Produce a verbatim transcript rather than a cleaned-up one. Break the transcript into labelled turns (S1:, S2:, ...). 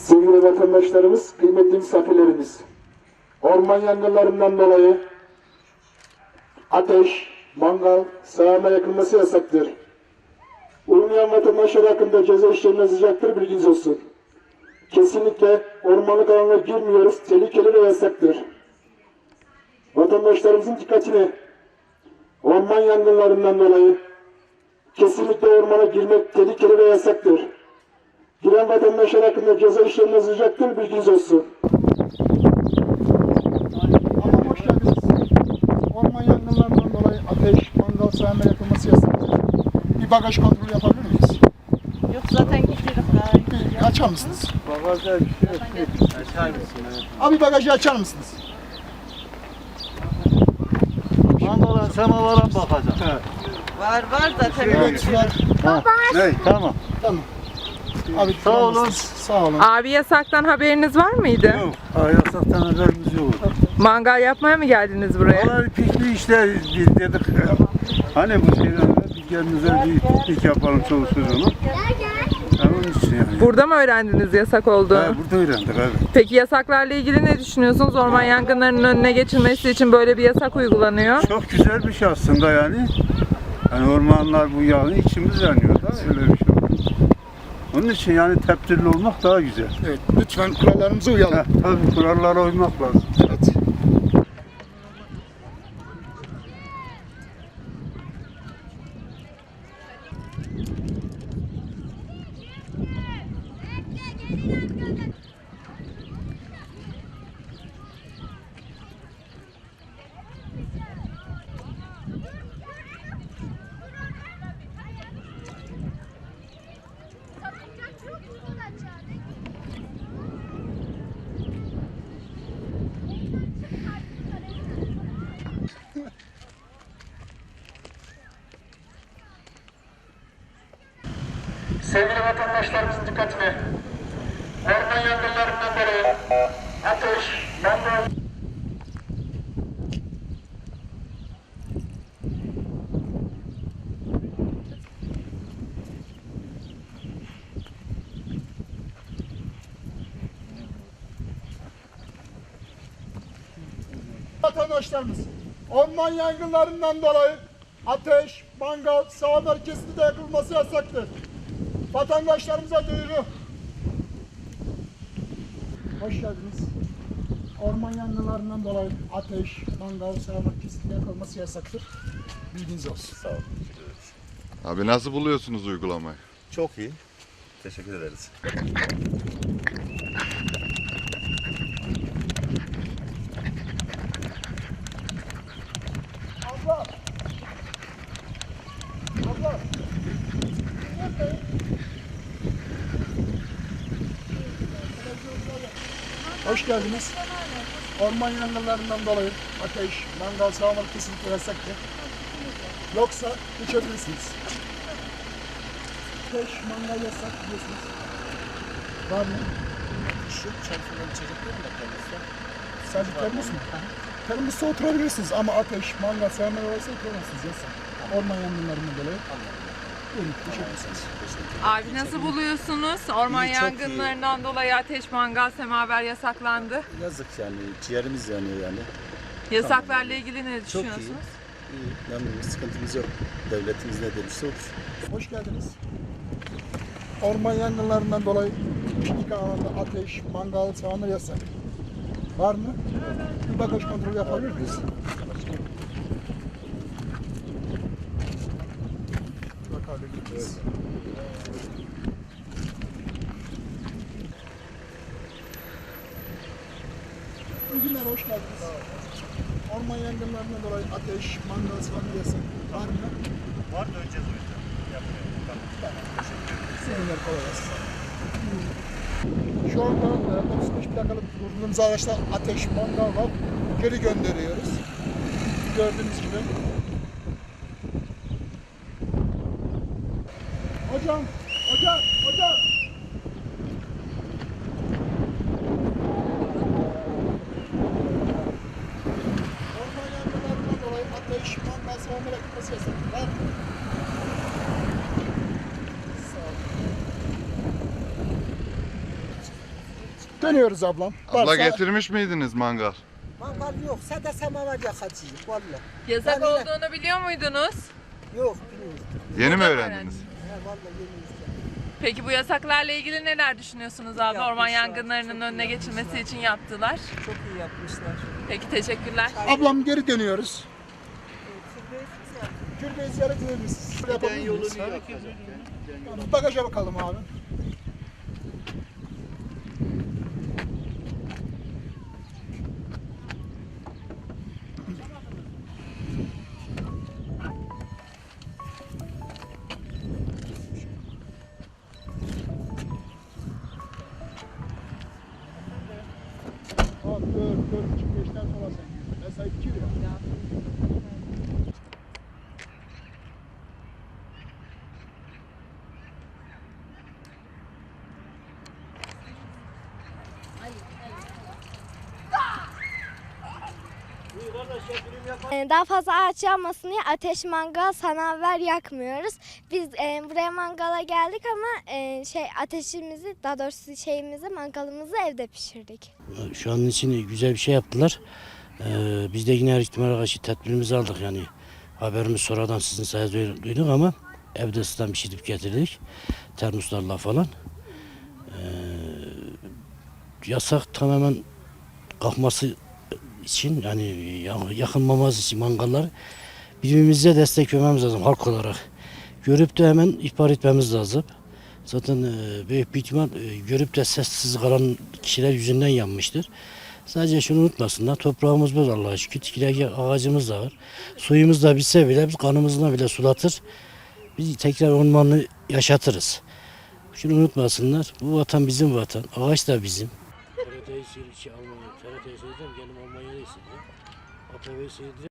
S1: Sevgili vatandaşlarımız, kıymetli misafirlerimiz, orman yangınlarından dolayı ateş, mangal, sağana yakılması yasaktır. Uymayan vatandaşlar hakkında ceza işlemi yazılacaktır, bilginiz olsun. Kesinlikle ormanlık alanına girmiyoruz, tehlikeli ve yasaktır. Vatandaşlarımızın dikkatine, orman yangınlarından dolayı kesinlikle ormana girmek tehlikeli ve yasaktır. Giren vatandaşlar hakkında ceza işlemi yazılacaktır, bilginiz olsun.
S2: Ama hoş geldiniz. Orman yangınlarından dolayı ateş, mangal, sağana yakılması yasaktır. Bir bagaj kontrolü yapabilir miyiz?
S3: Yok zaten gidiyorum.
S2: Bir açar mısınız?
S4: Bagajda bir şey yok. Açar mısın?
S2: Abi bagajı açar mısınız?
S4: Mangala semavara mı bakacağım?
S3: Var var zaten.
S2: Evet, var.
S4: Ne? Tamam.
S2: Tamam. Abi
S4: Sağ olun.
S2: kullanmışsınız. Sağ olun.
S5: Abi yasaktan haberiniz var mıydı?
S4: Yok. Yasaktan haberimiz yok.
S5: Mangal yapmaya mı geldiniz buraya?
S4: Vallahi piknik işte biz dedik. Hani bu şeyden bir kendimize bir piknik yapalım çoluk çocuğunu. Yani onun için yani.
S5: Burada mı öğrendiniz yasak
S4: Ha,
S5: olduğunu?
S4: burada öğrendik evet.
S5: Peki yasaklarla ilgili ne düşünüyorsunuz? Orman yangınlarının önüne geçilmesi için böyle bir yasak uygulanıyor.
S4: Çok güzel bir şey aslında yani. Yani ormanlar bu yani içimiz yanıyor da öyle bir şey var. Onun için yani tepdirli olmak daha güzel.
S2: Evet, lütfen kurallarımıza uyalım.
S4: Ha, tabii kurallara uymak lazım.
S2: Evet.
S1: Sevgili vatandaşlarımızın dikkatine, orman yangınlarından dolayı ateş, mangal,
S2: Vatandaşlarımız, orman yangınlarından dolayı ateş, mangal, sağanak kesinlikle yakılması yasaktır. Vatandaşlarımıza duyuru. Hoş geldiniz. Orman yangınlarından dolayı ateş, mangal, sağanak kesinlikle yakılması yasaktır. Bilginiz olsun.
S6: Sağ olun. Teşekkür ederiz.
S7: Abi nasıl buluyorsunuz uygulamayı?
S6: Çok iyi. Teşekkür ederiz.
S2: Abla! Abla! Hoş geldiniz. Orman yangınlarından dolayı ateş, mangal, sağanak kesinlikle yasaktır. Yoksa geçebilirsiniz. Ateş, mangal yasak biliyorsunuz. Var mı?
S8: Şu çalışmadan içecekler mi kendisi?
S2: Sadece termos mu? Termosta oturabilirsiniz ama ateş, mangal, sağanak varsa oturamazsınız yasak. Orman yangınlarından dolayı. Buyurun, teşekkür ederiz.
S5: Abi nasıl buluyorsunuz? Orman
S8: İyi, çok
S5: yangınlarından dolayı ateş, mangal, semaver yasaklandı.
S8: Yazık yani ciğerimiz yanıyor yani.
S5: Yasaklarla ilgili ne
S8: Çok
S5: düşünüyorsunuz?
S8: iyi. İyi. Memnunuz, sıkıntımız yok. Devletimiz ne demişse odur.
S2: Hoş geldiniz. Orman yangınlarından dolayı piknik alanında ateş, mangal, sauna yasak. Var mı? Bir bagaj kontrolü yapabilir miyiz? Bakabiliriz. İyi günler, hoş geldiniz. Orman yangınlarından dolayı ateş, mangal, sauna yasak. Var mı?
S6: Var da öleceğiz o yüzden. Yapmıyorum. Tamam.
S2: Sevinler kolay gelsin. Şu anda e, otuz beş plakalı durduğumuz araçta ateş, mangal var. Geri gönderiyoruz. Gördüğünüz gibi. Hocam, hocam, hocam. Orman yangınlarından dolayı ateş, mangal, savunma yakılması yasak. Var mı? Sağ olun. Dönüyoruz ablam.
S7: Abla
S2: Varsa-
S7: getirmiş miydiniz mangal?
S9: Mangal yok. Sadece semaver yakacağız. Vallahi.
S5: Yasak
S9: Ben yine-
S5: olduğunu biliyor muydunuz?
S9: Yok bilmiyorum.
S7: Yeni mi
S5: Burada
S7: öğrendiniz?
S9: He vallahi yeni
S5: Peki bu yasaklarla ilgili neler düşünüyorsunuz abi?
S9: Yapmışlar,
S5: Orman yangınlarının
S9: çok
S5: önüne
S9: iyi
S5: geçilmesi için yaptılar.
S9: Çok iyi yapmışlar.
S5: Peki teşekkürler.
S2: Ablam geri dönüyoruz. Türbeyi ziyaret edelim biz. Yapabilir miyiz? Tamam, bagaja bakalım abi. Abi dört, dört buçuk, beşten sonra sen gidiyorsun. Mesai bitiyor ya.
S10: Ee, Daha fazla ağaç yanmasın diye ateş, mangal, sanaver yakmıyoruz. Biz e, buraya mangala geldik ama e, şey ateşimizi, daha doğrusu şeyimizi, mangalımızı evde pişirdik.
S11: Şu an için güzel bir şey yaptılar. Ee, biz de yine her ihtimale karşı tedbirimizi aldık yani. Haberimiz sonradan sizin sayenizde duyduk ama evde ısıtan pişirip getirdik. Termoslarla falan. Ee, yasak tamamen kalkması için yani yakınmaması için mangallar birbirimize destek vermemiz lazım halk olarak. Görüp de hemen ihbar etmemiz lazım. Zaten e, büyük bir ihtimal e, görüp de sessiz kalan kişiler yüzünden yanmıştır. Sadece şunu unutmasınlar, toprağımız var Allah'a şükür, tikilek ağacımız da var. Suyumuz da bitse bile biz kanımızla bile sulatır. Biz tekrar ormanı yaşatırız. Şunu unutmasınlar, bu vatan bizim vatan, ağaç da bizim. T R T'yi seyredeceğim, Almanya, T R T'yi seyredeceğim, kendim Almanya'da hissediyorum. A T V'yi seyredeceğim.